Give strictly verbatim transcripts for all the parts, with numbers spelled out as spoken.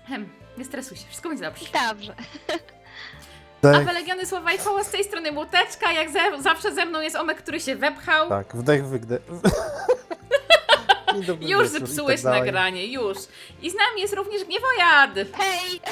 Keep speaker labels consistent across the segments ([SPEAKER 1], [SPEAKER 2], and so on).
[SPEAKER 1] Hem, nie stresuj się, wszystko będzie dobrze.
[SPEAKER 2] Dobrze.
[SPEAKER 1] A Legiony Słowa i Koło, z tej strony Młoteczka, jak ze, zawsze ze mną jest Omek, który się wepchał.
[SPEAKER 3] Tak, wdech, wydech.
[SPEAKER 1] Już zepsułeś
[SPEAKER 3] tak
[SPEAKER 1] nagranie, już. I z nami jest również Gniewojad.
[SPEAKER 2] Hej!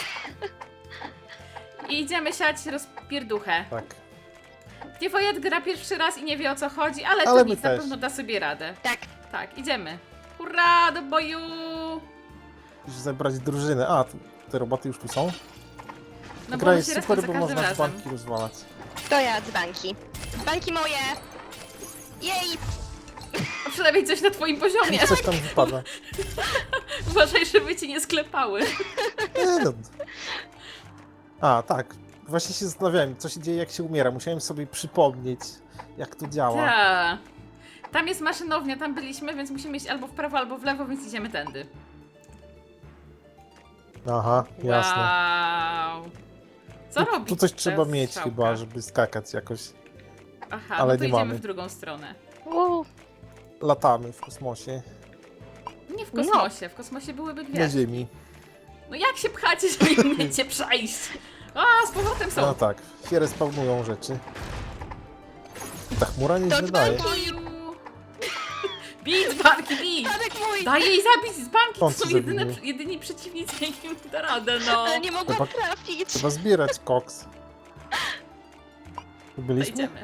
[SPEAKER 1] I idziemy siać rozpierduchę.
[SPEAKER 3] Tak.
[SPEAKER 1] Gniewojad gra pierwszy raz i nie wie o co chodzi, ale,
[SPEAKER 3] Ale
[SPEAKER 1] to
[SPEAKER 3] my
[SPEAKER 1] nic, na
[SPEAKER 3] też.
[SPEAKER 1] pewno da sobie radę.
[SPEAKER 2] Tak.
[SPEAKER 1] Tak, idziemy. Hurra, do boju!
[SPEAKER 3] Musisz zebrać drużynę. A, tu, te roboty już tu są?
[SPEAKER 1] No
[SPEAKER 3] Gra
[SPEAKER 1] bo
[SPEAKER 3] jest
[SPEAKER 1] się
[SPEAKER 3] super,
[SPEAKER 1] super,
[SPEAKER 3] bo
[SPEAKER 1] za każdym
[SPEAKER 3] można
[SPEAKER 1] razem.
[SPEAKER 3] banki rozwalać.
[SPEAKER 2] To ja dzbanki. Dzbanki moje! Jej!
[SPEAKER 1] A przynajmniej coś na twoim poziomie.
[SPEAKER 3] Coś tam wypada.
[SPEAKER 1] Uważaj, żeby cię nie sklepały.
[SPEAKER 3] Nie, no. A, tak. Właśnie się zastanawiałem, co się dzieje, jak się umiera. Musiałem sobie przypomnieć, jak to działa.
[SPEAKER 1] Ta. Tam jest maszynownia, tam byliśmy, więc musimy iść albo w prawo, albo w lewo, więc idziemy tędy.
[SPEAKER 3] Aha, jasne.
[SPEAKER 1] Wow. Co
[SPEAKER 3] tu,
[SPEAKER 1] robi
[SPEAKER 3] tu coś
[SPEAKER 1] ta
[SPEAKER 3] trzeba mieć
[SPEAKER 1] strzałka?
[SPEAKER 3] chyba, żeby skakać jakoś.
[SPEAKER 1] Aha,
[SPEAKER 3] ale
[SPEAKER 1] no to
[SPEAKER 3] nie
[SPEAKER 1] idziemy
[SPEAKER 3] mamy.
[SPEAKER 1] w drugą stronę.
[SPEAKER 2] Uuu.
[SPEAKER 3] Latamy w kosmosie.
[SPEAKER 1] Nie w kosmosie, w kosmosie byłyby
[SPEAKER 3] Na
[SPEAKER 1] gwiazdy.
[SPEAKER 3] Ziemi.
[SPEAKER 1] No jak się pchacie, że nie umiecie przejść? A, z powrotem są.
[SPEAKER 3] No tak, się respawnują rzeczy. Ta chmura nie
[SPEAKER 2] To
[SPEAKER 3] wydaje.
[SPEAKER 2] dzbanki!
[SPEAKER 1] Boju. Bij dzbanki, bij!
[SPEAKER 2] Tadek mój!
[SPEAKER 1] Daj jej zabić dzbanki, to
[SPEAKER 3] On co
[SPEAKER 1] są jedyne,
[SPEAKER 3] zabije?
[SPEAKER 1] jedyni przeciwnicy, jakim da radę, no.
[SPEAKER 2] Ale nie mogłam
[SPEAKER 3] Chyba-
[SPEAKER 2] trafić.
[SPEAKER 3] Trzeba zbierać koks. Tu
[SPEAKER 1] To
[SPEAKER 3] byliśmy?
[SPEAKER 1] idziemy.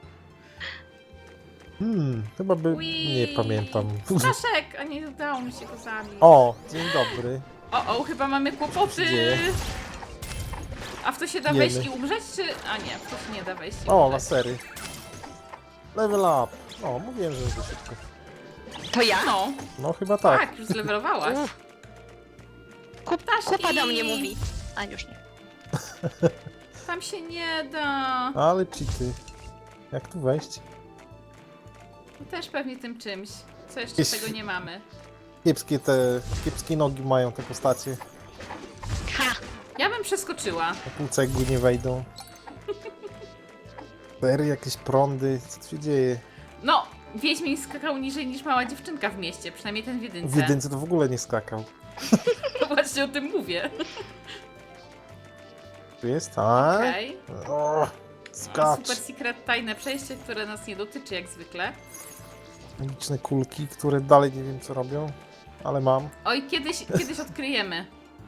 [SPEAKER 3] Hmm, chyba by...
[SPEAKER 1] Ui.
[SPEAKER 3] Nie pamiętam.
[SPEAKER 1] Staszek, a nie udało mi się go zabić.
[SPEAKER 3] O, dzień dobry.
[SPEAKER 1] O, o, chyba mamy kłopoty.
[SPEAKER 3] dzieje?
[SPEAKER 1] A w to się da
[SPEAKER 3] Jemy.
[SPEAKER 1] wejść i umrzeć, czy... A nie, w to się nie da wejść i
[SPEAKER 3] O,
[SPEAKER 1] umrzeć.
[SPEAKER 3] lasery. Level up. O, mówiłem, że będzie szybko.
[SPEAKER 2] To ja?
[SPEAKER 1] No,
[SPEAKER 3] No chyba tak.
[SPEAKER 1] tak, już zlewelowałaś.
[SPEAKER 2] Uff. Kup,
[SPEAKER 1] Ptaszki.
[SPEAKER 2] kupa do mnie mówi. A już nie.
[SPEAKER 1] Tam się nie da.
[SPEAKER 3] Ale cheaty. Jak tu wejść?
[SPEAKER 1] Też pewnie tym czymś. Co jeszcze
[SPEAKER 3] Jakieś-
[SPEAKER 1] tego nie mamy?
[SPEAKER 3] Kiepskie te... Kiepskie nogi mają te postacie.
[SPEAKER 2] Ha!
[SPEAKER 1] Ja bym przeskoczyła.
[SPEAKER 3] Na pół cegły nie wejdą. Sery, jakieś prądy. Co tu się dzieje?
[SPEAKER 1] No, Wiedźmin skakał niżej niż mała dziewczynka w mieście, przynajmniej ten w jedynce.
[SPEAKER 3] W jedynce to w ogóle nie skakał.
[SPEAKER 1] No właśnie o tym mówię.
[SPEAKER 3] Tu jest? A?
[SPEAKER 1] Okej.
[SPEAKER 3] O, skacz.
[SPEAKER 1] Super secret tajne przejście, które nas nie dotyczy jak zwykle.
[SPEAKER 3] Magiczne kulki, które dalej nie wiem co robią. Ale mam.
[SPEAKER 1] Oj, kiedyś, kiedyś odkryjemy.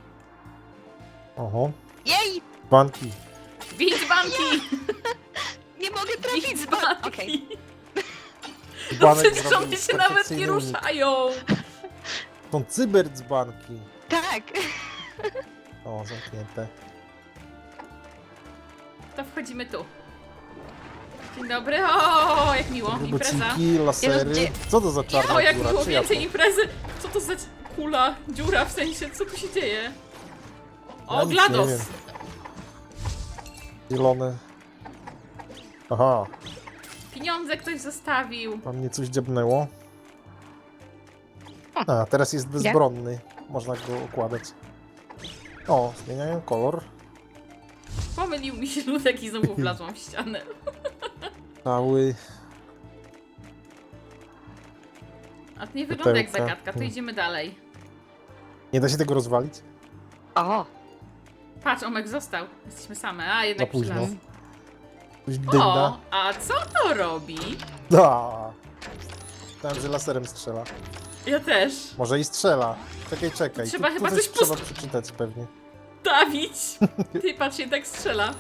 [SPEAKER 3] Oho.
[SPEAKER 2] Jej!
[SPEAKER 3] Banki.
[SPEAKER 1] Bij dzbanki!
[SPEAKER 2] Nie mogę
[SPEAKER 1] Bij
[SPEAKER 2] trafić dzbanki.
[SPEAKER 1] dzbanki!
[SPEAKER 2] Okej.
[SPEAKER 1] No
[SPEAKER 3] Dzbanek
[SPEAKER 1] przecież
[SPEAKER 3] zrobił
[SPEAKER 1] one się nawet nie
[SPEAKER 3] perfekcyjny unik.
[SPEAKER 1] ruszają!
[SPEAKER 3] Są cyberdzbanki.
[SPEAKER 2] Tak.
[SPEAKER 3] O, zamknięte.
[SPEAKER 1] To wchodzimy tu. Dzień dobry, o, jak miło, impreza.
[SPEAKER 3] Robociki, lasery.
[SPEAKER 2] gdzie-
[SPEAKER 3] Co to za czarna
[SPEAKER 1] O, jak
[SPEAKER 3] dziura?
[SPEAKER 1] było
[SPEAKER 3] Czyja
[SPEAKER 1] więcej
[SPEAKER 3] to?
[SPEAKER 1] imprezy! Co to za kula, dziura w sensie, co tu się dzieje? O,
[SPEAKER 3] Ja nic
[SPEAKER 1] GLaDOS!
[SPEAKER 3] nie wiem. Zielone. Aha,
[SPEAKER 1] Pieniądze ktoś zostawił.
[SPEAKER 3] tam mnie coś dziabnęło. A, teraz jest bezbronny. Można go okładać. O, zmieniają kolor.
[SPEAKER 1] Pomylił mi się ludek i znowu wlazłam w ścianę.
[SPEAKER 3] Cały.
[SPEAKER 1] A to nie wygląda jak
[SPEAKER 3] Pudełka.
[SPEAKER 1] zagadka, to
[SPEAKER 3] Hmm.
[SPEAKER 1] idziemy dalej.
[SPEAKER 3] Nie da się tego rozwalić?
[SPEAKER 2] O.
[SPEAKER 1] Patrz, Omek został. Jesteśmy same, a
[SPEAKER 3] Za
[SPEAKER 1] jednak przy
[SPEAKER 3] późno.
[SPEAKER 1] nas.
[SPEAKER 3] Coś
[SPEAKER 1] O,
[SPEAKER 3] dynda.
[SPEAKER 1] a co to robi?
[SPEAKER 3] Da. Myślałem, że laserem strzela.
[SPEAKER 1] Ja też.
[SPEAKER 3] Może i strzela. Czekaj, czekaj.
[SPEAKER 1] Trzeba
[SPEAKER 3] tu,
[SPEAKER 1] chyba
[SPEAKER 3] tu
[SPEAKER 1] coś
[SPEAKER 3] trzeba
[SPEAKER 1] pust-
[SPEAKER 3] przeczytać pewnie.
[SPEAKER 1] Dawić! Ty patrz, się tak strzela.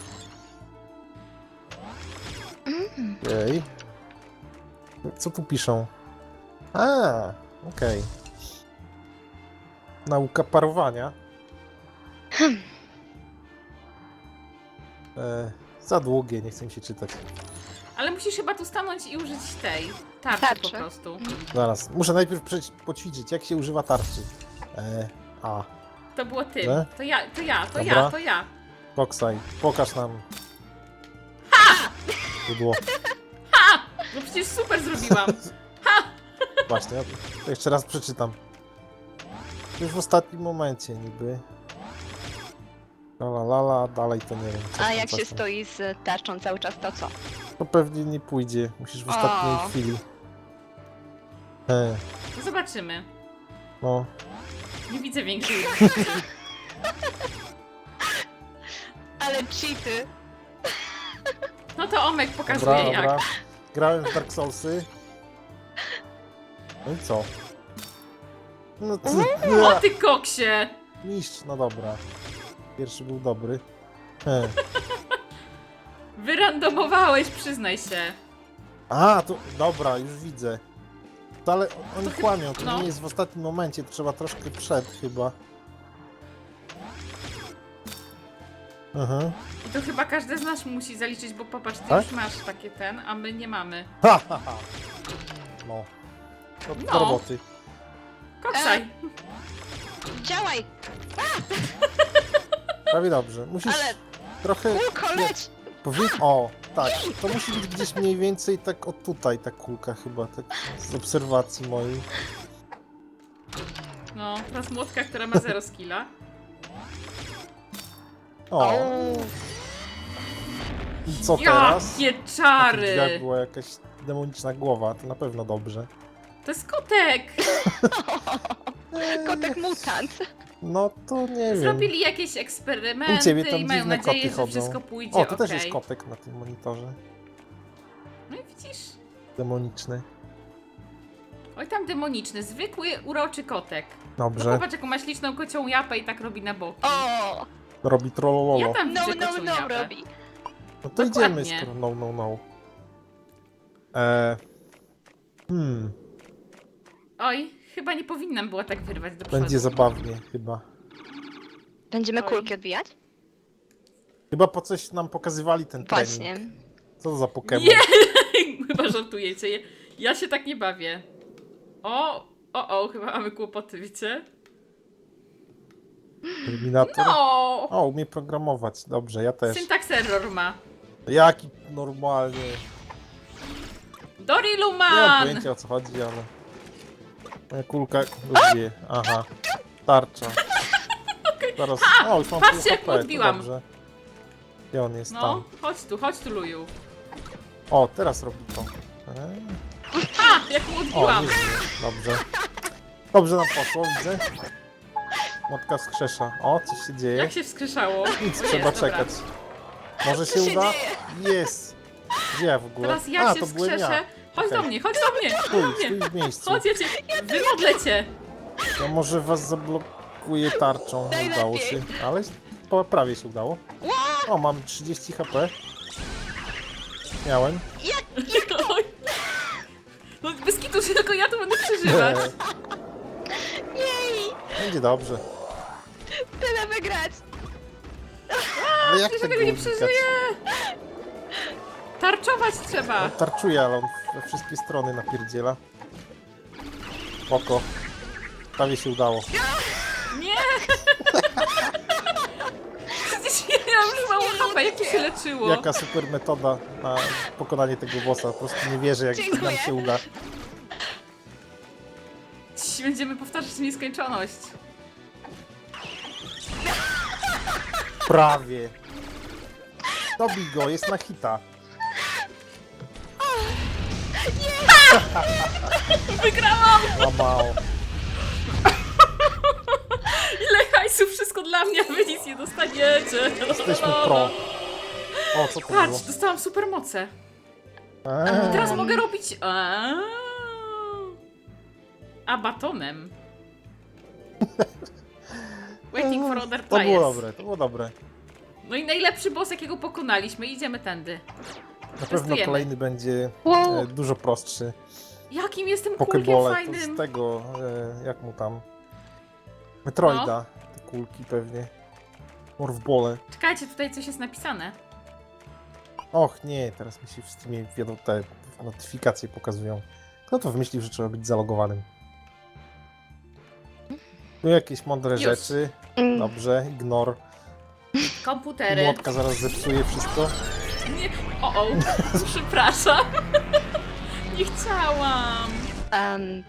[SPEAKER 3] Ej. Co tu piszą? A, okej. Nauka parowania. E, za długie, nie chcę mi się czytać.
[SPEAKER 1] Ale musisz chyba tu stanąć i użyć tej tarczy,
[SPEAKER 2] Tarczy.
[SPEAKER 1] po prostu.
[SPEAKER 3] Zaraz, muszę najpierw przejść, poćwiczyć, jak się używa tarczy. E, a,
[SPEAKER 1] To było ty.
[SPEAKER 3] Że?
[SPEAKER 1] To ja, to ja, to
[SPEAKER 3] Dobra.
[SPEAKER 1] ja, to ja.
[SPEAKER 3] Koksaj, pokaż nam. Ha! Było.
[SPEAKER 1] No przecież super zrobiłam.
[SPEAKER 3] Właśnie, ja to jeszcze raz przeczytam. Już w ostatnim momencie niby. La la la, la dalej to nie wiem. coś
[SPEAKER 2] A
[SPEAKER 3] tam,
[SPEAKER 2] jak
[SPEAKER 3] coś
[SPEAKER 2] się
[SPEAKER 3] tam.
[SPEAKER 2] stoi z tarczą cały czas, to co?
[SPEAKER 3] To pewnie nie pójdzie. Musisz w ostatniej
[SPEAKER 2] O.
[SPEAKER 3] chwili. E,
[SPEAKER 1] No zobaczymy.
[SPEAKER 3] no.
[SPEAKER 1] Nie widzę większej.
[SPEAKER 2] Ale cheaty.
[SPEAKER 1] No to Omek pokazuje
[SPEAKER 3] Dobra,
[SPEAKER 1] jak.
[SPEAKER 3] dobra. Grałem w Dark Soulsy. No i co? No ty,
[SPEAKER 1] O ty koksie!
[SPEAKER 3] mistrz, no dobra. Pierwszy był dobry. He.
[SPEAKER 1] Wyrandomowałeś, przyznaj się.
[SPEAKER 3] A, to dobra, już widzę. To ale oni
[SPEAKER 1] To chyba-
[SPEAKER 3] kłamią, to
[SPEAKER 1] no.
[SPEAKER 3] nie jest w ostatnim momencie, to trzeba troszkę przed chyba. Mhm.
[SPEAKER 1] I to chyba każdy z nas musi zaliczyć, bo popatrz, ty
[SPEAKER 3] Tak?
[SPEAKER 1] już masz takie ten, a my nie mamy.
[SPEAKER 3] Ha, ha, ha. No. To do
[SPEAKER 1] No.
[SPEAKER 3] roboty.
[SPEAKER 1] Koksaj!
[SPEAKER 2] Działaj!
[SPEAKER 3] Prawie dobrze. Musisz
[SPEAKER 2] Ale
[SPEAKER 3] trochę...
[SPEAKER 2] kółko leć!
[SPEAKER 3] Powiedz... O, tak. To musi być gdzieś mniej więcej tak o tutaj ta kulka chyba, tak z obserwacji mojej.
[SPEAKER 1] No, teraz młotka, która ma zero skilla.
[SPEAKER 3] O,
[SPEAKER 2] O,
[SPEAKER 3] i co teraz?
[SPEAKER 1] Jakie
[SPEAKER 3] Na tych
[SPEAKER 1] czary!
[SPEAKER 3] drzwiach była jakaś demoniczna głowa, to na pewno dobrze.
[SPEAKER 1] To jest kotek!
[SPEAKER 2] kotek mutant.
[SPEAKER 3] No to nie wiem.
[SPEAKER 1] Zrobili jakieś
[SPEAKER 3] U
[SPEAKER 1] eksperymenty
[SPEAKER 3] ciebie tam
[SPEAKER 1] i mają
[SPEAKER 3] dziwne
[SPEAKER 1] nadzieję,
[SPEAKER 3] koty
[SPEAKER 1] że
[SPEAKER 3] chodzą.
[SPEAKER 1] wszystko pójdzie
[SPEAKER 3] O, to też
[SPEAKER 1] okej.
[SPEAKER 3] jest kotek na tym monitorze.
[SPEAKER 1] No i widzisz?
[SPEAKER 3] Demoniczny.
[SPEAKER 1] Oj, tam demoniczny, zwykły, uroczy kotek. No
[SPEAKER 3] Dobrze.
[SPEAKER 1] popatrz, jaką ma śliczną kocią japę i tak robi na boki.
[SPEAKER 2] O!
[SPEAKER 3] Robi trollololo.
[SPEAKER 1] Ja tam
[SPEAKER 2] No,
[SPEAKER 1] widzę
[SPEAKER 2] no,
[SPEAKER 1] kocią
[SPEAKER 2] no
[SPEAKER 1] japę.
[SPEAKER 2] robi.
[SPEAKER 3] No to
[SPEAKER 1] Dokładnie.
[SPEAKER 3] idziemy, skoro no, no, no. Eee, hmm,
[SPEAKER 1] Oj, chyba nie powinnam była tak wyrwać do przodu.
[SPEAKER 3] będzie zabawnie chyba.
[SPEAKER 2] Będziemy
[SPEAKER 1] Oj.
[SPEAKER 2] kulki odbijać?
[SPEAKER 3] Chyba po coś nam pokazywali ten trening.
[SPEAKER 2] Właśnie.
[SPEAKER 3] Co to za Pokémon?
[SPEAKER 1] Nie! Chyba żartujecie. Ja- Ja się tak nie bawię. O, o, o, chyba mamy kłopoty, wiecie?
[SPEAKER 3] Terminator?
[SPEAKER 1] No!
[SPEAKER 3] O, umie programować. Dobrze, ja też.
[SPEAKER 1] Syntax error ma.
[SPEAKER 3] Jaki normalnie. Nie mam
[SPEAKER 1] Doriluman!
[SPEAKER 3] pojęcia o co chodzi, ale... Moja kulka rozbije. Aha. Tarcza. Zaraz... O, już mam
[SPEAKER 1] patrzcie,
[SPEAKER 3] pół
[SPEAKER 1] jak
[SPEAKER 3] H P, to
[SPEAKER 1] odbiłam.
[SPEAKER 3] dobrze. Gdzie on jest
[SPEAKER 1] No,
[SPEAKER 3] tam?
[SPEAKER 1] chodź tu, chodź tu, Luju.
[SPEAKER 3] O, teraz robi to. Eee.
[SPEAKER 1] A, jak mu
[SPEAKER 3] O,
[SPEAKER 1] odbiłam.
[SPEAKER 3] nie żyje. Dobrze. Dobrze nam poszło, widzę. Motka wskrzesza. O, coś się dzieje.
[SPEAKER 1] Jak się wskrzeszało?
[SPEAKER 3] Nic,
[SPEAKER 1] O,
[SPEAKER 3] trzeba
[SPEAKER 1] jest, dobra.
[SPEAKER 3] czekać. Może się
[SPEAKER 2] Co się
[SPEAKER 3] uda? Jest. Gdzie ja w ogóle?
[SPEAKER 1] Teraz ja
[SPEAKER 3] A,
[SPEAKER 1] się
[SPEAKER 3] to byłem
[SPEAKER 1] wskrzeszę.
[SPEAKER 3] ja.
[SPEAKER 1] Chodź
[SPEAKER 3] Okej.
[SPEAKER 1] do mnie, chodź do mnie, chodź do
[SPEAKER 3] Stój,
[SPEAKER 1] mnie.
[SPEAKER 3] stój w miejscu.
[SPEAKER 1] Chodź, ja cię, wymodlę cię.
[SPEAKER 3] Ja może was zablokuję tarczą. Nie udało
[SPEAKER 2] Najlepiej.
[SPEAKER 3] się, ale po- prawie się udało. O, mam trzydzieści H P. Miałem.
[SPEAKER 1] Oj. No bez kitu się tylko ja tu będę przeżywać.
[SPEAKER 2] Jej!
[SPEAKER 3] Będzie dobrze.
[SPEAKER 2] Tyle wygrać!
[SPEAKER 3] Ale jak
[SPEAKER 1] Przecież
[SPEAKER 3] tego
[SPEAKER 1] tego nie
[SPEAKER 3] unikać?
[SPEAKER 1] przeżyję. Tarczować trzeba.
[SPEAKER 3] On tarczuje, ale on we wszystkie strony napierdziela. Oko. Prawie się udało.
[SPEAKER 1] Nie! Przecież ja mam już mało H P, jak to się leczyło?
[SPEAKER 3] Jaka super metoda na pokonanie tego bossa. Po prostu nie wierzę, jak nam
[SPEAKER 2] Dziękuję.
[SPEAKER 3] się uda.
[SPEAKER 1] Dziś będziemy powtarzać w nieskończoność.
[SPEAKER 3] Prawie. Dobij go, jest na hita.
[SPEAKER 1] Wygrałam!
[SPEAKER 3] Łamał.
[SPEAKER 1] Ile hajsu, wszystko dla mnie, a wy nic nie dostaniecie.
[SPEAKER 3] Jesteśmy pro. O, co to było?
[SPEAKER 1] Patrz, dostałam supermoce.
[SPEAKER 3] Eee.
[SPEAKER 1] Teraz mogę robić... A, a batonem. Waiting for other
[SPEAKER 3] To
[SPEAKER 1] players.
[SPEAKER 3] było dobre, to było dobre.
[SPEAKER 1] No i najlepszy boss, jakiego pokonaliśmy. Idziemy tędy.
[SPEAKER 3] Na pewno
[SPEAKER 1] Testujemy.
[SPEAKER 3] kolejny będzie
[SPEAKER 2] Wow.
[SPEAKER 3] e, dużo prostszy.
[SPEAKER 1] Jakim jestem kulkiem
[SPEAKER 3] Pokebole to
[SPEAKER 1] fajnym.
[SPEAKER 3] z tego, e, jak mu tam... Metroida. Te kulki pewnie. Morfbole.
[SPEAKER 1] Czekajcie, tutaj coś jest napisane.
[SPEAKER 3] Och nie, teraz mi się w Steamie wiadomo, te notyfikacje pokazują. Kto to wymyślił, że trzeba być zalogowanym? Tu jakieś mądre
[SPEAKER 1] Już.
[SPEAKER 3] rzeczy.
[SPEAKER 2] Mm.
[SPEAKER 3] Dobrze, ignor.
[SPEAKER 1] Komputery.
[SPEAKER 3] Młotka zaraz zepsuje wszystko.
[SPEAKER 1] Nie. O, o. Przepraszam. Nie chciałam.
[SPEAKER 2] Um,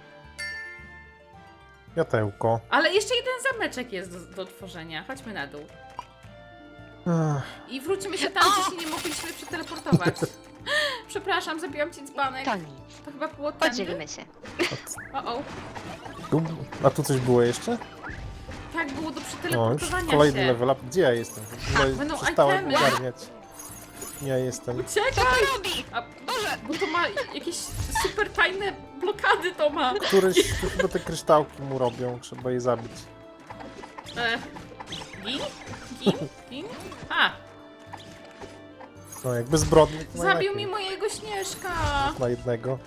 [SPEAKER 3] Jatełko.
[SPEAKER 1] Ale jeszcze jeden zameczek jest do, do tworzenia. Chodźmy na dół.
[SPEAKER 3] Ach,
[SPEAKER 1] I wrócimy się tam, gdzie się nie mogliśmy przeteleportować. Przepraszam, zabiłam ci dzbanek.
[SPEAKER 2] to nic.
[SPEAKER 1] To chyba było tędy.
[SPEAKER 2] Podzielimy się.
[SPEAKER 1] O, o.
[SPEAKER 3] tu, a tu coś było jeszcze?
[SPEAKER 1] tak było do
[SPEAKER 3] No, już
[SPEAKER 1] przeteleportowania
[SPEAKER 3] kolejny
[SPEAKER 1] się.
[SPEAKER 3] level up. Gdzie ja jestem? W ogóle
[SPEAKER 1] Będą
[SPEAKER 3] przestałem
[SPEAKER 1] itemy.
[SPEAKER 3] ogarniać. Ja jestem.
[SPEAKER 2] Co
[SPEAKER 1] Uciekaj!
[SPEAKER 2] to robi?
[SPEAKER 1] A,
[SPEAKER 2] Boże!
[SPEAKER 1] bo to ma jakieś super tajne blokady to ma.
[SPEAKER 3] Któryś, to chyba te kryształki mu robią, trzeba je zabić.
[SPEAKER 1] E, gin? Gin? Gin? A,
[SPEAKER 3] No jak bezbrodny to
[SPEAKER 1] zabił
[SPEAKER 3] najlepiej.
[SPEAKER 1] mi mojego Śnieżka.
[SPEAKER 3] Na jednego.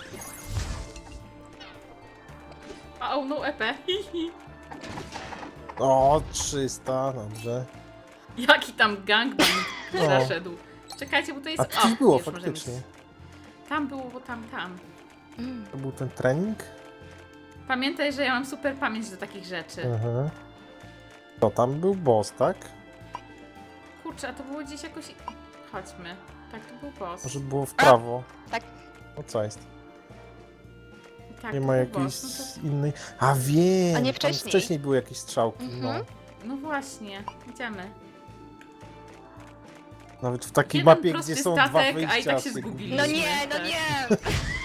[SPEAKER 1] A o, no E P.
[SPEAKER 3] O, trzysta, dobrze.
[SPEAKER 1] Jaki tam gangbang
[SPEAKER 3] No.
[SPEAKER 1] zaszedł. Czekajcie, bo to jest...
[SPEAKER 3] A
[SPEAKER 1] o,
[SPEAKER 3] coś było
[SPEAKER 1] już możemy
[SPEAKER 3] faktycznie.
[SPEAKER 1] iść. Tam było, bo tam, tam.
[SPEAKER 2] Mm.
[SPEAKER 3] To był ten trening?
[SPEAKER 1] Pamiętaj, że ja mam super pamięć do takich rzeczy.
[SPEAKER 3] Mhm. To tam był boss, tak?
[SPEAKER 1] Kurczę, a to było gdzieś jakoś... Chodźmy. Tak, to był boss.
[SPEAKER 3] Może było w prawo?
[SPEAKER 2] tak.
[SPEAKER 3] No co jest?
[SPEAKER 1] Tak,
[SPEAKER 3] Nie
[SPEAKER 1] to
[SPEAKER 3] ma
[SPEAKER 1] był
[SPEAKER 3] jakiejś
[SPEAKER 1] boss. No,
[SPEAKER 3] innej... A wiem!
[SPEAKER 2] A nie
[SPEAKER 3] tam
[SPEAKER 2] wcześniej?
[SPEAKER 3] wcześniej były jakieś strzałki,
[SPEAKER 2] Mhm.
[SPEAKER 3] no.
[SPEAKER 1] to, no właśnie, idziemy.
[SPEAKER 3] Nawet w takiej
[SPEAKER 1] Jeden
[SPEAKER 3] mapie,
[SPEAKER 1] prosty
[SPEAKER 3] gdzie są dwa
[SPEAKER 1] statek, a
[SPEAKER 3] wyjścia.
[SPEAKER 1] i tak się
[SPEAKER 3] się
[SPEAKER 1] zgubiliśmy.
[SPEAKER 2] No
[SPEAKER 3] gubi.
[SPEAKER 2] nie, no
[SPEAKER 1] Tak.
[SPEAKER 2] nie!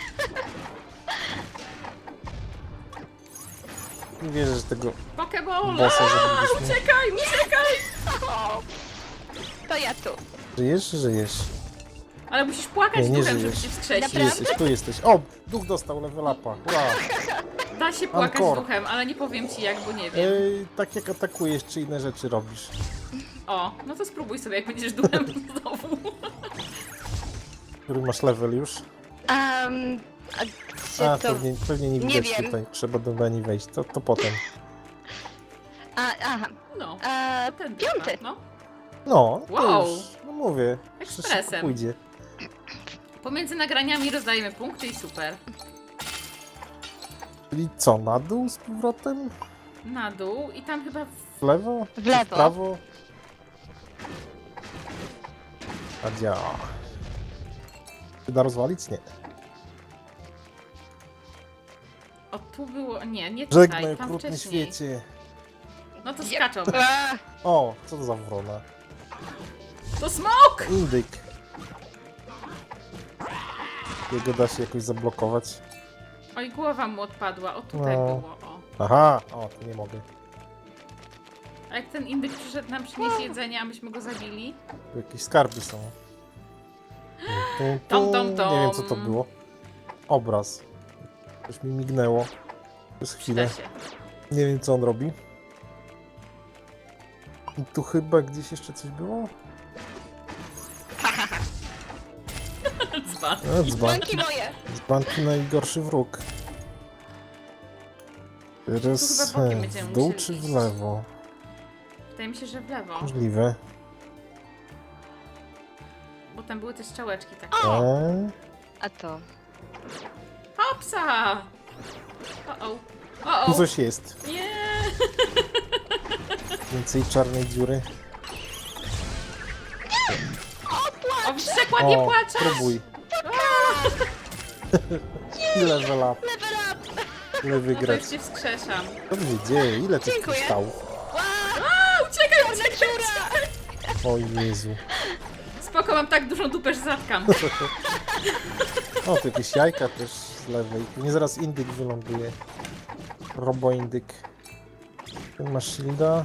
[SPEAKER 3] Nie wierzę, że tego
[SPEAKER 1] Pokeball!
[SPEAKER 3] bossa
[SPEAKER 1] Aaa,
[SPEAKER 3] zabiliśmy.
[SPEAKER 1] Uciekaj, uciekaj!
[SPEAKER 2] O, to ja tu.
[SPEAKER 3] Żyjesz, żyjesz.
[SPEAKER 1] Ale musisz płakać
[SPEAKER 3] Nie, nie
[SPEAKER 1] duchem, żeby
[SPEAKER 3] żyjesz.
[SPEAKER 1] cię wskrzesić.
[SPEAKER 3] Tu jesteś, tu jesteś. O! Duch dostał level upa. Hurra!
[SPEAKER 1] Da się płakać
[SPEAKER 3] Encore.
[SPEAKER 1] duchem, ale nie powiem ci jak, bo nie wiem.
[SPEAKER 3] Ej, tak jak atakujesz, czy inne rzeczy robisz.
[SPEAKER 1] O, no to spróbuj sobie, jak będziesz duchem znowu.
[SPEAKER 3] Który masz level już?
[SPEAKER 2] Um, a gdzie
[SPEAKER 3] A,
[SPEAKER 2] to...
[SPEAKER 3] pewnie, pewnie nie
[SPEAKER 2] nie
[SPEAKER 3] widać
[SPEAKER 2] wiem.
[SPEAKER 3] tutaj. Trzeba do Beni wejść. To, to potem.
[SPEAKER 2] A, aha.
[SPEAKER 1] No,
[SPEAKER 2] E,
[SPEAKER 1] ten
[SPEAKER 2] piąty.
[SPEAKER 1] No.
[SPEAKER 3] No, to
[SPEAKER 1] Wow.
[SPEAKER 3] już, no mówię. Przecież szybko
[SPEAKER 1] Ekspresem.
[SPEAKER 3] pójdzie.
[SPEAKER 1] Pomiędzy nagraniami rozdajemy punkty i super.
[SPEAKER 3] Czyli co, na dół z powrotem?
[SPEAKER 1] Na dół i tam chyba... W...
[SPEAKER 3] W lewo?
[SPEAKER 2] W
[SPEAKER 3] Czy
[SPEAKER 2] lewo.
[SPEAKER 3] W prawo? A działa. Czy da rozwalić? Nie.
[SPEAKER 1] O, tu było... Nie, nie tutaj,
[SPEAKER 3] Żegnaj,
[SPEAKER 1] tam
[SPEAKER 3] okrutny
[SPEAKER 1] wcześniej.
[SPEAKER 3] świecie.
[SPEAKER 1] No to
[SPEAKER 2] Yep.
[SPEAKER 1] skaczą.
[SPEAKER 2] A,
[SPEAKER 3] O, co to za wrona?
[SPEAKER 1] To smok!
[SPEAKER 3] Indyk. Jego da się jakoś zablokować.
[SPEAKER 1] Oj, głowa mu odpadła. O, tutaj
[SPEAKER 3] No.
[SPEAKER 1] było, o.
[SPEAKER 3] Aha, o, to nie mogę.
[SPEAKER 1] A jak ten indyk przyszedł nam przynieść jedzenie, a myśmy go zabili?
[SPEAKER 3] Tu jakieś skarby są. Tu, tu,
[SPEAKER 1] Tom, tom, tom.
[SPEAKER 3] Nie wiem, co to było. Obraz. Coś mi mignęło. Przez
[SPEAKER 1] Przyda
[SPEAKER 3] chwilę.
[SPEAKER 1] się.
[SPEAKER 3] Nie wiem, co on robi. I tu chyba gdzieś jeszcze coś było?
[SPEAKER 1] Dzban.
[SPEAKER 3] No, dzban.
[SPEAKER 2] Dzbanki moje.
[SPEAKER 3] Dzbanki najgorszy wróg. Teraz
[SPEAKER 1] Tu chyba bokiem
[SPEAKER 3] e,
[SPEAKER 1] będziemy
[SPEAKER 3] w dół
[SPEAKER 1] musieli
[SPEAKER 3] czy w
[SPEAKER 1] iść.
[SPEAKER 3] lewo?
[SPEAKER 1] Wydaje mi się, że w lewo.
[SPEAKER 3] Możliwe.
[SPEAKER 1] Bo tam były te strzałeczki takie.
[SPEAKER 2] O!
[SPEAKER 3] E,
[SPEAKER 2] A to...
[SPEAKER 1] Hopsa! O-o. O-o.
[SPEAKER 3] tu coś jest.
[SPEAKER 1] Nie!
[SPEAKER 3] Więcej czarnej dziury.
[SPEAKER 1] O, wściekła, nie
[SPEAKER 3] O,
[SPEAKER 1] płaczesz!
[SPEAKER 3] spróbuj. Level up.
[SPEAKER 2] Level up!
[SPEAKER 3] Lewy
[SPEAKER 1] No to już
[SPEAKER 3] grać.
[SPEAKER 1] cię wskrzeszam.
[SPEAKER 3] Co tu się dzieje? Ile tych
[SPEAKER 2] Dziękuję.
[SPEAKER 3] kryształów?
[SPEAKER 1] A, uciekaj, uciekaj, uciekaj!
[SPEAKER 3] O Jezu.
[SPEAKER 1] Spoko, mam tak dużą dupę, że zatkam.
[SPEAKER 3] O, tu jakieś jajka też z lewej. Tu nie zaraz indyk wyląduje. Robo-indyk. Ten ma shielda.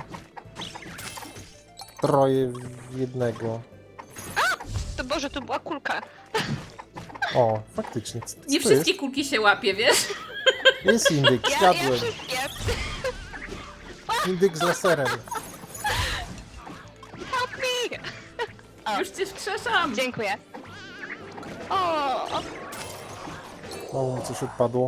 [SPEAKER 3] Troje w jednego.
[SPEAKER 2] To Boże, to była kulka.
[SPEAKER 3] O, faktycznie. Co, co
[SPEAKER 1] Nie
[SPEAKER 3] to
[SPEAKER 1] wszystkie kulki się łapie, wiesz?
[SPEAKER 3] Jest? Jest indyk,
[SPEAKER 2] Ja, ja
[SPEAKER 3] zgadłem.
[SPEAKER 2] wszystkie.
[SPEAKER 3] Indyk z laserem.
[SPEAKER 2] Help me! O.
[SPEAKER 1] Już cię wskrzeszam.
[SPEAKER 2] Dziękuję. O, o,
[SPEAKER 3] O, mi coś odpadło.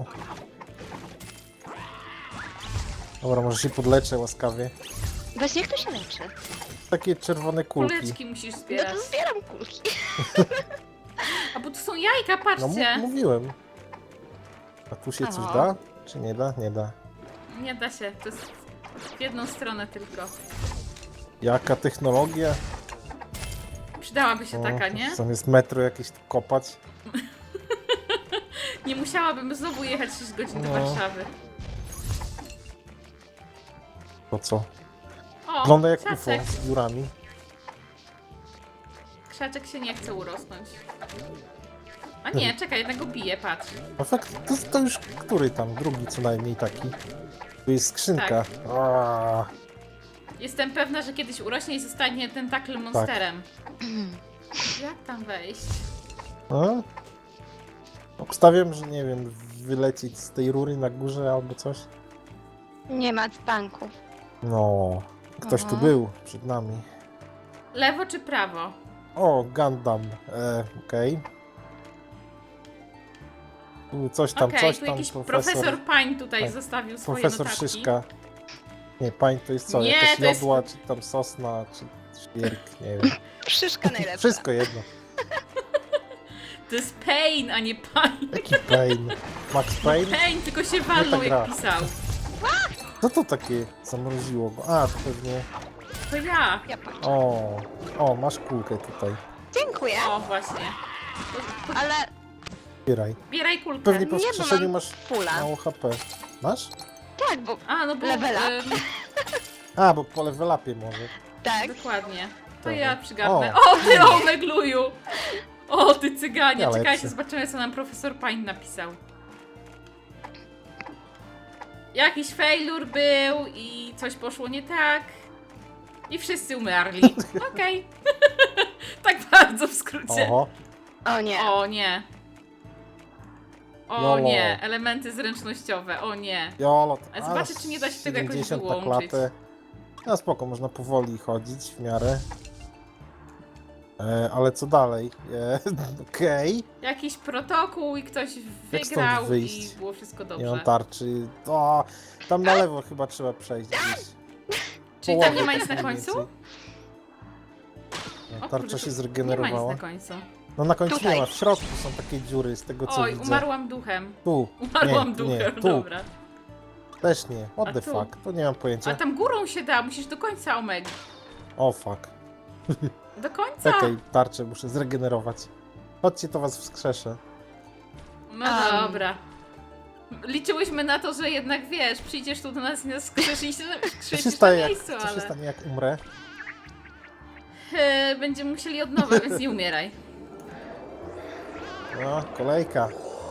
[SPEAKER 3] Dobra, może się podleczę łaskawie.
[SPEAKER 2] właśnie jak to się leczy?
[SPEAKER 3] Takie czerwone kulki.
[SPEAKER 1] Kuleczki musisz
[SPEAKER 2] No
[SPEAKER 1] zbierać.
[SPEAKER 2] to zbieram kulki.
[SPEAKER 1] A bo tu są jajka,
[SPEAKER 3] No mu-
[SPEAKER 1] patrzcie.
[SPEAKER 3] mówiłem. A tu się coś
[SPEAKER 2] Aha.
[SPEAKER 3] da? Czy nie da? Nie da.
[SPEAKER 1] Nie da się, to jest w jedną stronę tylko.
[SPEAKER 3] Jaka technologia?
[SPEAKER 1] Przydałaby się
[SPEAKER 3] O,
[SPEAKER 1] taka, nie?
[SPEAKER 3] Zamiast metro jakieś tu kopać.
[SPEAKER 1] Nie musiałabym znowu jechać sześć godzin do
[SPEAKER 3] No.
[SPEAKER 1] Warszawy.
[SPEAKER 3] To co?
[SPEAKER 1] O,
[SPEAKER 3] Wygląda jak U F O
[SPEAKER 1] krzaczek.
[SPEAKER 3] z dziurami.
[SPEAKER 1] Krzaczek się nie chce urosnąć. A nie, czekaj, jednego bije, patrz.
[SPEAKER 3] A fakt, to, to już który tam? Drugi co najmniej taki. Tu jest skrzynka.
[SPEAKER 1] Tak.
[SPEAKER 3] Aaa,
[SPEAKER 1] Jestem pewna, że kiedyś urośnie i zostanie tentakl monsterem. Jak tam wejść?
[SPEAKER 3] A? Obstawiam, że nie wiem, wylecieć z tej rury na górze albo coś.
[SPEAKER 2] Nie ma dzbanków.
[SPEAKER 3] No, ktoś tu
[SPEAKER 2] Aha.
[SPEAKER 3] był przed nami.
[SPEAKER 1] Lewo czy prawo?
[SPEAKER 3] O, Gundam. E, Okej. Tu coś tam,
[SPEAKER 1] Okej,
[SPEAKER 3] coś
[SPEAKER 1] tu
[SPEAKER 3] tam.
[SPEAKER 1] jakiś profesor Pine tutaj
[SPEAKER 3] tak,
[SPEAKER 1] zostawił swoje
[SPEAKER 3] Profesor
[SPEAKER 1] notatki.
[SPEAKER 3] Szyszka. Nie, pań to jest co?
[SPEAKER 1] Nie,
[SPEAKER 3] Jakaś
[SPEAKER 1] to jest-
[SPEAKER 3] jodła, czy tam sosna, czy świerk, nie wiem.
[SPEAKER 2] Szyszka najlepsza.
[SPEAKER 3] Wszystko jedno.
[SPEAKER 1] To jest Pain, a nie Pine.
[SPEAKER 3] Jaki pain? Max Payne?
[SPEAKER 1] Pain, tylko się walnął
[SPEAKER 3] ta
[SPEAKER 1] jak
[SPEAKER 3] gra.
[SPEAKER 1] pisał.
[SPEAKER 3] Co to takie zamroziło go? A, to pewnie...
[SPEAKER 1] To ja.
[SPEAKER 2] Ja patrzę.
[SPEAKER 3] O, o, masz kulkę tutaj.
[SPEAKER 2] Dziękuję,
[SPEAKER 1] O, właśnie. To, to
[SPEAKER 2] ale
[SPEAKER 3] Zbieraj.
[SPEAKER 1] bieraj kulkę.
[SPEAKER 3] Pewnie po
[SPEAKER 2] Nie, bo
[SPEAKER 3] wskrzeszeniu
[SPEAKER 2] mam
[SPEAKER 3] masz
[SPEAKER 2] pula.
[SPEAKER 3] mało H P. Masz?
[SPEAKER 2] Tak, bo
[SPEAKER 1] A, no bo...
[SPEAKER 2] Level up.
[SPEAKER 1] ym,
[SPEAKER 3] A, bo po level upie może.
[SPEAKER 2] tak.
[SPEAKER 1] dokładnie. To
[SPEAKER 3] Dobra.
[SPEAKER 1] ja przygarnę.
[SPEAKER 3] O.
[SPEAKER 1] O, ty omegluju! O, ty cyganie.
[SPEAKER 3] Ja
[SPEAKER 1] Czekajcie,
[SPEAKER 3] lepszy.
[SPEAKER 1] zobaczymy, co nam profesor Pine napisał. Jakiś failure był i coś poszło nie tak. I wszyscy umarli. Okej. Tak bardzo w skrócie.
[SPEAKER 3] Oho.
[SPEAKER 2] O nie.
[SPEAKER 1] O nie. O
[SPEAKER 3] Jolo.
[SPEAKER 1] nie, elementy zręcznościowe, o nie.
[SPEAKER 3] Jolo. to-
[SPEAKER 1] Ale zobaczę,
[SPEAKER 3] a,
[SPEAKER 1] czy nie da się tego jakoś
[SPEAKER 3] siedemdziesiąt na
[SPEAKER 1] wyłączyć.
[SPEAKER 3] klatę. No spoko, można powoli chodzić w miarę. E, ale co dalej? E, Okej.
[SPEAKER 1] Jakiś protokół i ktoś
[SPEAKER 3] Jak stąd
[SPEAKER 1] wygrał i
[SPEAKER 3] wyjść?
[SPEAKER 1] było wszystko
[SPEAKER 3] Nie mam
[SPEAKER 1] dobrze.
[SPEAKER 3] tarczy. O, tam na lewo chyba trzeba przejść gdzieś.
[SPEAKER 1] Czyli tam
[SPEAKER 3] Połowę
[SPEAKER 1] nie ma nic
[SPEAKER 3] tak
[SPEAKER 1] na
[SPEAKER 3] mniej
[SPEAKER 1] końcu?
[SPEAKER 3] więcej. Nie,
[SPEAKER 1] O
[SPEAKER 3] tarcza
[SPEAKER 1] kurde,
[SPEAKER 3] się
[SPEAKER 1] tu Nie ma
[SPEAKER 3] zregenerowała.
[SPEAKER 1] nic na końcu.
[SPEAKER 3] No na końcu
[SPEAKER 2] Tutaj.
[SPEAKER 3] nie ma, w środku są takie dziury z tego co
[SPEAKER 1] Oj,
[SPEAKER 3] widzę.
[SPEAKER 1] umarłam duchem.
[SPEAKER 3] Tu.
[SPEAKER 1] Umarłam
[SPEAKER 3] nie, tu
[SPEAKER 1] duchem,
[SPEAKER 3] nie, tu.
[SPEAKER 1] dobra.
[SPEAKER 3] Też nie. What
[SPEAKER 1] A
[SPEAKER 3] the
[SPEAKER 1] tu?
[SPEAKER 3] fuck? To nie mam
[SPEAKER 1] A
[SPEAKER 3] pojęcia.
[SPEAKER 1] tam górą się da, musisz do końca omega.
[SPEAKER 3] O fuck.
[SPEAKER 1] Do końca!
[SPEAKER 3] Czekaj, tarczę muszę zregenerować. Chodźcie, to was wskrzeszę.
[SPEAKER 1] No
[SPEAKER 2] Um.
[SPEAKER 1] dobra. Liczyłyśmy na to, że jednak wiesz, przyjdziesz tu do nas i nas skrzeszysz,
[SPEAKER 3] Co się
[SPEAKER 1] skrzeszysz na
[SPEAKER 3] stanie, jak,
[SPEAKER 1] miejscu,
[SPEAKER 3] co się
[SPEAKER 1] ale...
[SPEAKER 3] stanie jak umrę?
[SPEAKER 1] E, Będziemy musieli od nowa, więc nie umieraj.
[SPEAKER 3] No, kolejka.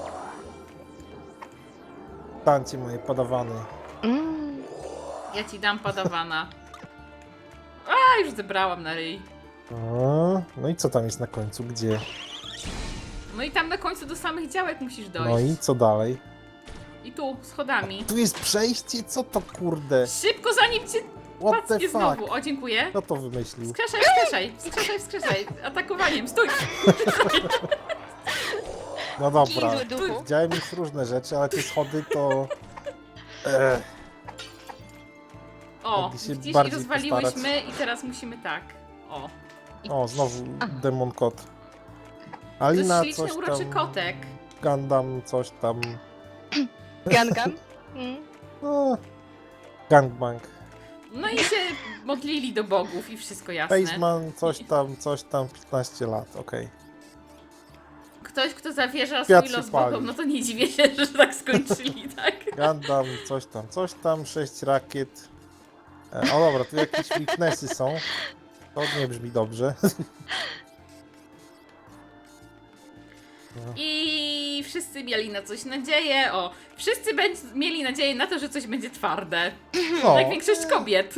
[SPEAKER 3] Tańcie moje podawany.
[SPEAKER 2] Mm.
[SPEAKER 1] Ja ci dam padawana. A, już zebrałam na ryj.
[SPEAKER 3] O, no i co tam jest na końcu? Gdzie?
[SPEAKER 1] No i tam na końcu do samych działek musisz dojść.
[SPEAKER 3] No i co dalej?
[SPEAKER 1] I tu, schodami.
[SPEAKER 3] Tu jest przejście? Co to kurde?
[SPEAKER 1] Szybko, zanim cię
[SPEAKER 3] What the
[SPEAKER 1] pacnie
[SPEAKER 3] fuck?
[SPEAKER 1] znowu. O, dziękuję.
[SPEAKER 3] Kto to wymyślił?
[SPEAKER 1] Wskrzeszaj, wskrzeszaj, wskrzeszaj, wskrzeszaj. Atakowaniem, stój!
[SPEAKER 3] No dobra.
[SPEAKER 2] Kij zły duchu.
[SPEAKER 3] Widziałem już różne rzeczy, ale te schody to... Ech,
[SPEAKER 1] O,
[SPEAKER 3] Mogli się
[SPEAKER 1] widzisz, i
[SPEAKER 3] bardziej
[SPEAKER 1] rozwaliłyśmy
[SPEAKER 3] postarać.
[SPEAKER 1] i teraz musimy tak. O.
[SPEAKER 3] o, znowu demon kot.
[SPEAKER 1] To
[SPEAKER 3] Alina
[SPEAKER 1] jest
[SPEAKER 3] coś
[SPEAKER 1] śliczny, uroczy
[SPEAKER 3] tam...
[SPEAKER 1] kotek.
[SPEAKER 3] Gundam coś tam...
[SPEAKER 2] Gangam. Mm.
[SPEAKER 3] No, gangbang.
[SPEAKER 1] No i się modlili do bogów i wszystko jasne.
[SPEAKER 3] Faceman coś tam, coś tam, piętnaście lat, okej.
[SPEAKER 1] Ktoś, kto zawierza
[SPEAKER 3] Świat
[SPEAKER 1] swój
[SPEAKER 3] się
[SPEAKER 1] los
[SPEAKER 3] pali.
[SPEAKER 1] bogom, no to nie dziwię się, że tak skończyli, tak?
[SPEAKER 3] Gundam, coś tam, coś tam, sześć rakiet. E, o dobra, tu jakieś weaknessy są. To nie brzmi dobrze.
[SPEAKER 1] I wszyscy mieli na coś nadzieję. O, wszyscy będzie, mieli nadzieję na to, że coś będzie twarde.
[SPEAKER 3] No,
[SPEAKER 1] Jak większość kobiet.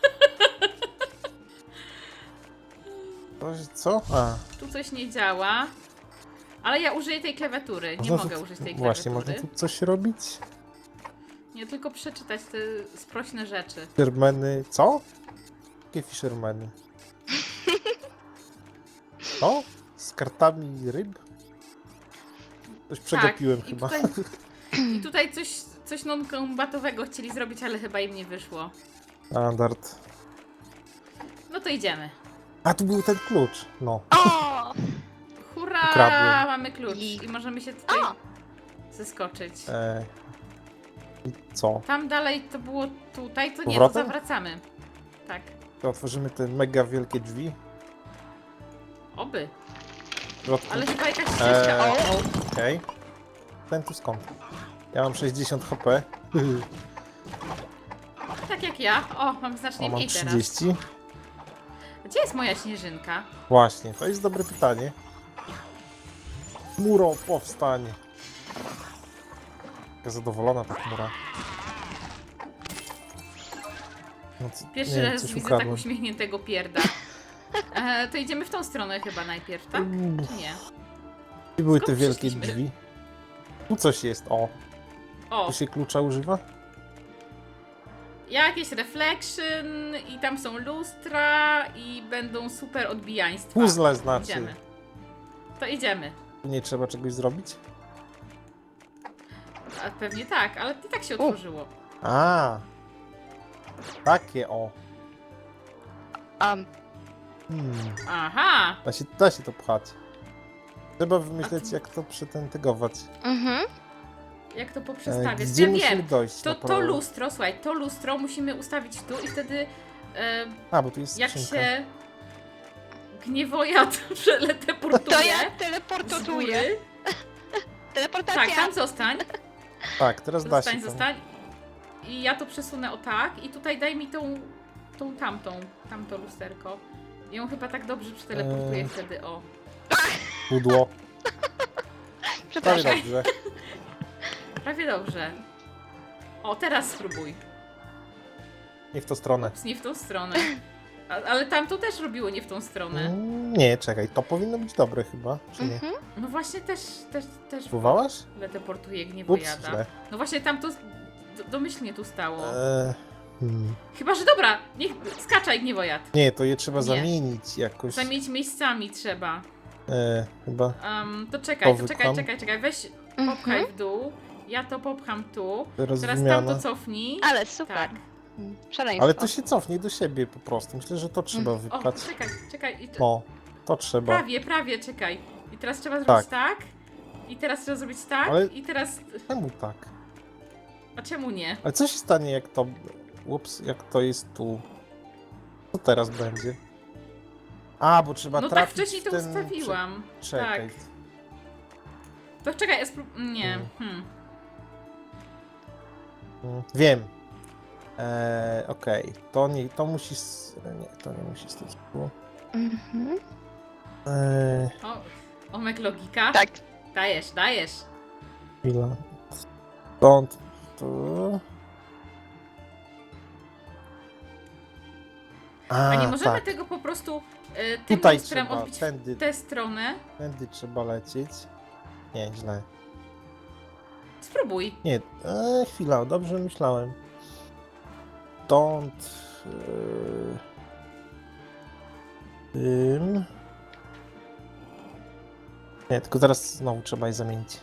[SPEAKER 3] to- co? A,
[SPEAKER 1] Tu coś nie działa. Ale ja użyję tej klawiatury. Nie
[SPEAKER 3] można
[SPEAKER 1] mogę
[SPEAKER 3] tu-
[SPEAKER 1] użyć tej
[SPEAKER 3] Właśnie, można
[SPEAKER 1] klawiatury.
[SPEAKER 3] tu coś robić?
[SPEAKER 1] Nie, tylko przeczytać te sprośne rzeczy.
[SPEAKER 3] Fishermany, co? Jakie fishermany? Co? Z kartami ryb? Coś przegapiłem
[SPEAKER 1] tak, i
[SPEAKER 3] chyba.
[SPEAKER 1] Tutaj, I tutaj coś, coś non-combatowego chcieli zrobić, ale chyba im nie wyszło.
[SPEAKER 3] Standard.
[SPEAKER 1] No to idziemy.
[SPEAKER 3] A, tu był ten klucz. No.
[SPEAKER 2] O!
[SPEAKER 1] Hurra!
[SPEAKER 3] Ukradłem.
[SPEAKER 1] Mamy klucz
[SPEAKER 2] I-
[SPEAKER 1] i możemy się tutaj
[SPEAKER 2] O!
[SPEAKER 1] zeskoczyć.
[SPEAKER 3] E, I co?
[SPEAKER 1] Tam dalej to było tutaj, to nie, to
[SPEAKER 3] Powrotem?
[SPEAKER 1] zawracamy. Tak.
[SPEAKER 3] To otworzymy te mega wielkie drzwi.
[SPEAKER 1] Oby.
[SPEAKER 3] W środku.
[SPEAKER 1] Ale chyba jakaś ścieżka.
[SPEAKER 3] Eee,
[SPEAKER 1] O,
[SPEAKER 3] Okej. Ten tu skąd? Ja mam sześćdziesiąt H P.
[SPEAKER 1] tak jak ja. O, mam
[SPEAKER 3] O,
[SPEAKER 1] znacznie
[SPEAKER 3] mam
[SPEAKER 1] mniej teraz.
[SPEAKER 3] trzydzieści.
[SPEAKER 1] Gdzie jest moja śnieżynka?
[SPEAKER 3] Właśnie, to jest dobre pytanie. Muro, powstań. Taka zadowolona ta chmura. No, co-
[SPEAKER 1] Pierwszy
[SPEAKER 3] nie wiem,
[SPEAKER 1] raz
[SPEAKER 3] coś
[SPEAKER 1] widzę
[SPEAKER 3] ukradłem.
[SPEAKER 1] tak uśmiechniętego pierda. E, to idziemy w tą stronę chyba najpierw, tak?
[SPEAKER 3] Mm,
[SPEAKER 1] Czy nie?
[SPEAKER 3] Gdzie były
[SPEAKER 1] Skąd
[SPEAKER 3] te wielkie
[SPEAKER 1] przyszliśmy?
[SPEAKER 3] drzwi? Tu coś jest, o.
[SPEAKER 1] O,
[SPEAKER 3] Tu się klucza używa?
[SPEAKER 1] jakieś reflection i tam są lustra i będą super odbijaństwa.
[SPEAKER 3] Puzzle znaczy.
[SPEAKER 1] Idziemy. To idziemy.
[SPEAKER 3] Tu nie trzeba czegoś zrobić?
[SPEAKER 1] A pewnie tak, ale i tak się otworzyło.
[SPEAKER 3] A, takie o.
[SPEAKER 2] Um,
[SPEAKER 3] Hmm.
[SPEAKER 1] Aha!
[SPEAKER 3] Da się, da się to pchać. Trzeba
[SPEAKER 1] A
[SPEAKER 3] wymyśleć,
[SPEAKER 1] tu-
[SPEAKER 3] jak to przetentygować.
[SPEAKER 2] mhm.
[SPEAKER 1] Jak to
[SPEAKER 3] E,
[SPEAKER 1] poprzestawiać?
[SPEAKER 3] Gdzie
[SPEAKER 1] Ja
[SPEAKER 3] musimy
[SPEAKER 1] wiem.
[SPEAKER 3] dojść?
[SPEAKER 1] To,
[SPEAKER 3] na
[SPEAKER 1] to
[SPEAKER 3] prawo?
[SPEAKER 1] lustro, słuchaj, to lustro musimy ustawić tu i wtedy e,
[SPEAKER 3] A, bo tu jest
[SPEAKER 1] jak
[SPEAKER 3] skrzynka.
[SPEAKER 1] się gniewojad przeteleportuje
[SPEAKER 2] To ja
[SPEAKER 1] z
[SPEAKER 2] teleportuję.
[SPEAKER 1] góry.
[SPEAKER 2] Teleportacja.
[SPEAKER 1] Tak, tam zostań.
[SPEAKER 3] Tak, teraz da
[SPEAKER 1] Zostań,
[SPEAKER 3] się tam.
[SPEAKER 1] zostań. I ja to przesunę o tak i tutaj daj mi tą, tą tamtą, tamto lusterko. I ją chyba tak dobrze przeteleportuję
[SPEAKER 3] Eee.
[SPEAKER 1] wtedy, o.
[SPEAKER 3] Pudło. Prawie
[SPEAKER 2] Przepraszam.
[SPEAKER 3] dobrze.
[SPEAKER 1] Prawie dobrze. O, teraz spróbuj.
[SPEAKER 3] Nie w tą stronę.
[SPEAKER 1] Ups, nie w tą stronę. A, ale tamto też robiło nie w tą stronę.
[SPEAKER 3] Mm, Nie, czekaj, to powinno być dobre chyba, czy nie?
[SPEAKER 2] Mhm.
[SPEAKER 1] No właśnie też, też, też
[SPEAKER 3] Próbowałaś?
[SPEAKER 1] teleportuje
[SPEAKER 3] Ups,
[SPEAKER 1] gniewojada.
[SPEAKER 3] źle.
[SPEAKER 1] No właśnie tam to do, domyślnie tu stało.
[SPEAKER 3] Eee, hmm.
[SPEAKER 1] Chyba, że dobra, niech skaczaj gniewojad.
[SPEAKER 3] Nie, to je trzeba
[SPEAKER 1] Nie.
[SPEAKER 3] zamienić jakoś.
[SPEAKER 1] Zamienić miejscami trzeba.
[SPEAKER 3] Eee, chyba.
[SPEAKER 1] Um, to czekaj, to
[SPEAKER 3] To
[SPEAKER 1] czekaj,
[SPEAKER 3] wypcham.
[SPEAKER 1] czekaj, czekaj. Weź,
[SPEAKER 2] Mhm.
[SPEAKER 1] popchaj w dół. Ja to popcham tu.
[SPEAKER 3] Teraz
[SPEAKER 1] Teraz
[SPEAKER 3] wymiana.
[SPEAKER 1] tamto cofnij.
[SPEAKER 2] Ale super.
[SPEAKER 1] Tak.
[SPEAKER 2] Mm, Szaleństwo.
[SPEAKER 3] Ale to się cofnie do siebie po prostu. Myślę, że to trzeba
[SPEAKER 1] O,
[SPEAKER 3] wypchać.
[SPEAKER 1] czekaj, czekaj. I to,
[SPEAKER 3] No, to trzeba.
[SPEAKER 1] prawie, prawie, czekaj. I teraz trzeba zrobić tak. I teraz trzeba zrobić tak.
[SPEAKER 3] Ale-
[SPEAKER 1] I teraz...
[SPEAKER 3] Czemu tak?
[SPEAKER 1] A czemu nie?
[SPEAKER 3] Ale co się stanie, jak to. Ups, jak to jest tu? Co teraz będzie? A, bo trzeba
[SPEAKER 1] No tak
[SPEAKER 3] trafić
[SPEAKER 1] wcześniej
[SPEAKER 3] w
[SPEAKER 1] to
[SPEAKER 3] ten...
[SPEAKER 1] ustawiłam.
[SPEAKER 3] Czekaj.
[SPEAKER 1] Tak. To czekaj, ja sprób... Nie.
[SPEAKER 3] Mm.
[SPEAKER 1] Hmm.
[SPEAKER 3] Mm, Wiem. Eee, Okej, to nie, to musi. s- Nie, to nie musi stać tu.
[SPEAKER 2] Mhm.
[SPEAKER 3] Eee,
[SPEAKER 1] O, omek logika.
[SPEAKER 2] Tak.
[SPEAKER 1] Dajesz, dajesz.
[SPEAKER 3] chwila. Stąd. Tu. A,
[SPEAKER 1] A nie możemy
[SPEAKER 3] tak.
[SPEAKER 1] tego po prostu y, tym
[SPEAKER 3] Tutaj
[SPEAKER 1] lustrem
[SPEAKER 3] trzeba,
[SPEAKER 1] odbić
[SPEAKER 3] tędy,
[SPEAKER 1] w tę stronę?
[SPEAKER 3] tędy trzeba lecieć. Nie, źle.
[SPEAKER 1] Spróbuj.
[SPEAKER 3] Nie, e, chwila, dobrze myślałem. Stąd. Yy, tym. Nie, tylko teraz znowu trzeba je zamienić.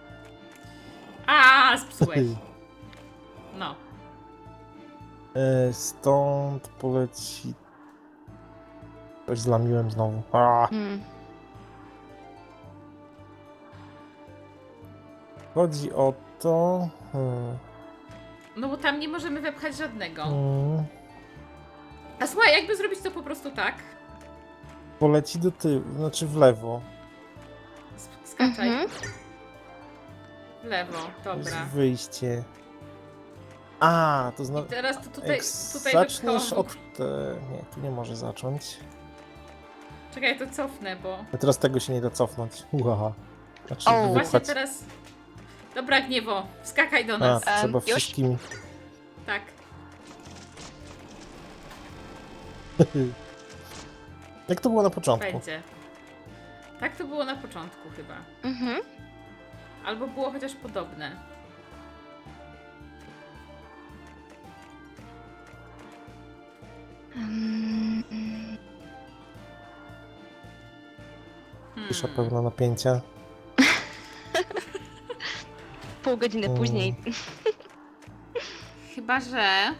[SPEAKER 1] A, spsułeś. No.
[SPEAKER 3] E, stąd poleci. Coś zlamiłem znowu. A,
[SPEAKER 2] Mm.
[SPEAKER 3] chodzi o to. Hmm,
[SPEAKER 1] No bo tam nie możemy wepchać żadnego.
[SPEAKER 3] hmm,
[SPEAKER 1] A słuchaj, jakby zrobić to po prostu tak?
[SPEAKER 3] poleci do tyłu, znaczy w lewo.
[SPEAKER 1] S- Skaczaj.
[SPEAKER 2] Mhm.
[SPEAKER 1] W lewo,
[SPEAKER 3] To jest
[SPEAKER 1] dobra.
[SPEAKER 3] wyjście. A, to
[SPEAKER 1] I
[SPEAKER 3] znowu.
[SPEAKER 1] teraz to tutaj,
[SPEAKER 3] Jak
[SPEAKER 1] tutaj
[SPEAKER 3] zaczniesz
[SPEAKER 1] wypchałam-
[SPEAKER 3] od. Te... Nie, tu nie może zacząć.
[SPEAKER 1] Czekaj, to cofnę, bo...
[SPEAKER 3] A teraz tego się nie da cofnąć. Uhaha. Znaczy
[SPEAKER 2] O,
[SPEAKER 1] Właśnie
[SPEAKER 3] wypchać.
[SPEAKER 1] teraz... Dobra, Gniewo, wskakaj do
[SPEAKER 3] A,
[SPEAKER 1] nas.
[SPEAKER 3] to
[SPEAKER 2] Em,
[SPEAKER 3] trzeba
[SPEAKER 2] już?
[SPEAKER 3] wszystkim.
[SPEAKER 1] Tak.
[SPEAKER 3] Jak to było na początku?
[SPEAKER 1] Będzie. Tak to było na początku chyba.
[SPEAKER 2] Mhm.
[SPEAKER 1] Albo było chociaż podobne.
[SPEAKER 2] Mm,
[SPEAKER 3] Cisza
[SPEAKER 1] Hmm.
[SPEAKER 3] pełna napięcia.
[SPEAKER 2] Pół godziny
[SPEAKER 3] Mm.
[SPEAKER 2] później.
[SPEAKER 1] Chyba, że...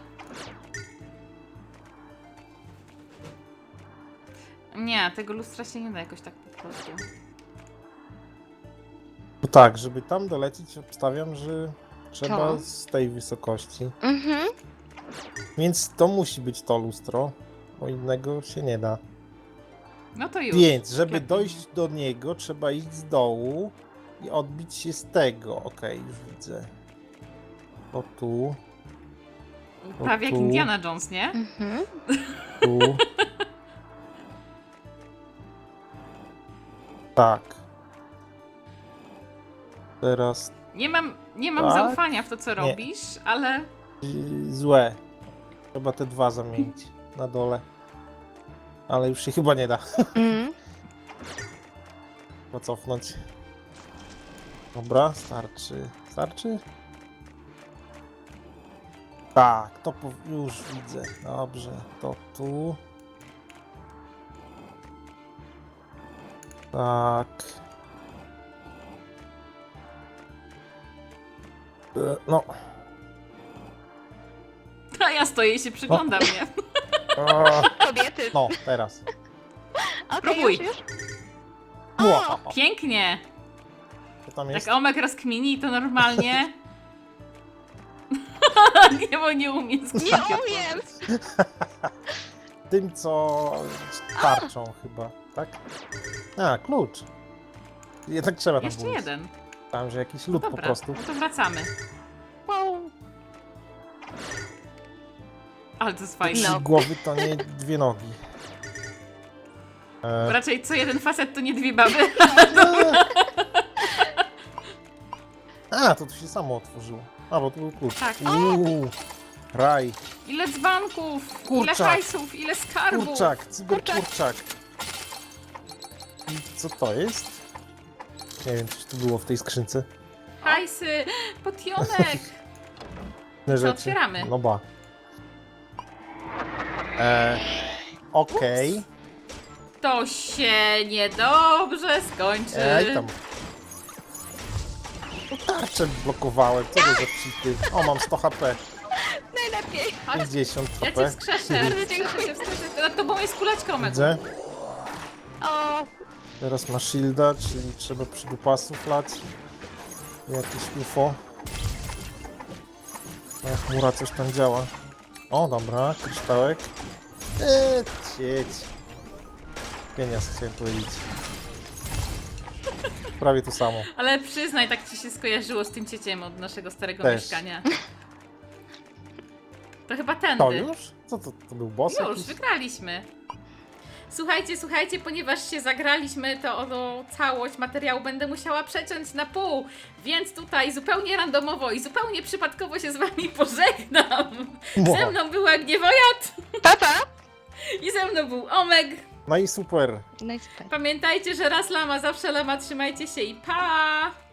[SPEAKER 1] Nie, tego lustra się nie da jakoś tak po prostu.
[SPEAKER 3] No tak, żeby tam dolecieć, obstawiam, że trzeba
[SPEAKER 2] To?
[SPEAKER 3] z tej wysokości.
[SPEAKER 2] Mhm.
[SPEAKER 3] Więc to musi być to lustro, bo innego się nie da.
[SPEAKER 1] No to już.
[SPEAKER 3] Więc, żeby
[SPEAKER 1] Lepiej.
[SPEAKER 3] dojść do niego, trzeba iść z dołu i odbić się z tego. Okej, już widzę. To tu,
[SPEAKER 1] Prawie jak
[SPEAKER 3] tu.
[SPEAKER 1] Indiana Jones, nie?
[SPEAKER 2] Mhm.
[SPEAKER 3] tu. Tak. Teraz
[SPEAKER 1] Nie mam, nie mam
[SPEAKER 3] Tak?
[SPEAKER 1] zaufania w to, co
[SPEAKER 3] Nie.
[SPEAKER 1] robisz, ale
[SPEAKER 3] y, złe. Trzeba te dwa zamienić na dole. Ale już się chyba nie da.
[SPEAKER 2] Mm.
[SPEAKER 3] Chyba cofnąć. Dobra, starczy. Starczy? Tak, to po... już widzę. Dobrze, to tu. Tak. E, No.
[SPEAKER 1] A ja stoję i się przyglądam, nie?
[SPEAKER 3] O,
[SPEAKER 2] Kobiety.
[SPEAKER 3] no, teraz.
[SPEAKER 2] Okej,
[SPEAKER 1] Próbuj.
[SPEAKER 2] już, już.
[SPEAKER 3] Ło,
[SPEAKER 1] Pięknie.
[SPEAKER 3] co tam
[SPEAKER 1] Jak
[SPEAKER 3] jest?
[SPEAKER 1] Omek rozkmini, to normalnie... nie, bo nie umie
[SPEAKER 2] Nie
[SPEAKER 1] skakać.
[SPEAKER 2] umiem!
[SPEAKER 3] Tym, co tarczą chyba, tak? A, klucz. Jednak trzeba tam
[SPEAKER 1] Jeszcze
[SPEAKER 3] było.
[SPEAKER 1] jeden.
[SPEAKER 3] Tam, że jakiś lód po
[SPEAKER 1] Dobra,
[SPEAKER 3] prostu.
[SPEAKER 1] no to wracamy.
[SPEAKER 2] Wow.
[SPEAKER 1] Ale to jest
[SPEAKER 3] Trzy
[SPEAKER 1] fajne.
[SPEAKER 2] No.
[SPEAKER 3] głowy to nie dwie nogi. E,
[SPEAKER 1] Raczej co jeden facet to nie dwie baby.
[SPEAKER 3] A, to tu się samo otworzyło. A, bo tu był klucz.
[SPEAKER 1] Tak.
[SPEAKER 3] Uuu, raj.
[SPEAKER 1] Ile dzbanków, ile
[SPEAKER 3] Kurczak.
[SPEAKER 1] hajsów, ile skarbów.
[SPEAKER 3] Kurczak, cyberkurczak. I co to jest? Nie wiem, coś tu było w tej skrzynce.
[SPEAKER 1] Hajsy, potionek.
[SPEAKER 3] Inne
[SPEAKER 1] Co
[SPEAKER 3] rzeczy.
[SPEAKER 1] otwieramy?
[SPEAKER 3] No ba. E, Okej.
[SPEAKER 1] To się niedobrze skończy.
[SPEAKER 3] Ej, tam. No tarczę blokowałem, co to za cheaty? O, mam sto H P,
[SPEAKER 2] Najlepiej.
[SPEAKER 1] Chodź,
[SPEAKER 3] pięćdziesiąt
[SPEAKER 1] ja
[SPEAKER 3] H
[SPEAKER 1] cię
[SPEAKER 3] P.
[SPEAKER 1] wskrzeszę.
[SPEAKER 2] Bardzo dziękuję.
[SPEAKER 1] Wskrzeszę, wskrzeszę. Nad tobą jest kuleczka, Omek.
[SPEAKER 3] Widzę.
[SPEAKER 2] O,
[SPEAKER 3] Teraz ma shielda, czyli trzeba przy dupasu flać. Jakieś U F O. No, chmura coś tam działa. O, dobra, kryształek. Eee, cieć. Genias, chciałem powiedzieć. Prawie to samo.
[SPEAKER 1] Ale przyznaj, tak ci się skojarzyło z tym cieciem od naszego starego
[SPEAKER 3] Też.
[SPEAKER 1] mieszkania. To chyba
[SPEAKER 3] To
[SPEAKER 1] tędy.
[SPEAKER 3] już? Co to, to był boss
[SPEAKER 1] Już,
[SPEAKER 3] jakiś?
[SPEAKER 1] wygraliśmy. Słuchajcie, słuchajcie, ponieważ się zagraliśmy, to o całość materiału będę musiała przeciąć na pół, więc tutaj zupełnie randomowo i zupełnie przypadkowo się z wami pożegnam.
[SPEAKER 3] Wow.
[SPEAKER 1] Ze mną była Gniewojat
[SPEAKER 2] papa.
[SPEAKER 1] i ze mną był Omek.
[SPEAKER 3] No i super.
[SPEAKER 2] No i super.
[SPEAKER 1] Pamiętajcie, że raz lama, zawsze lama, trzymajcie się i pa!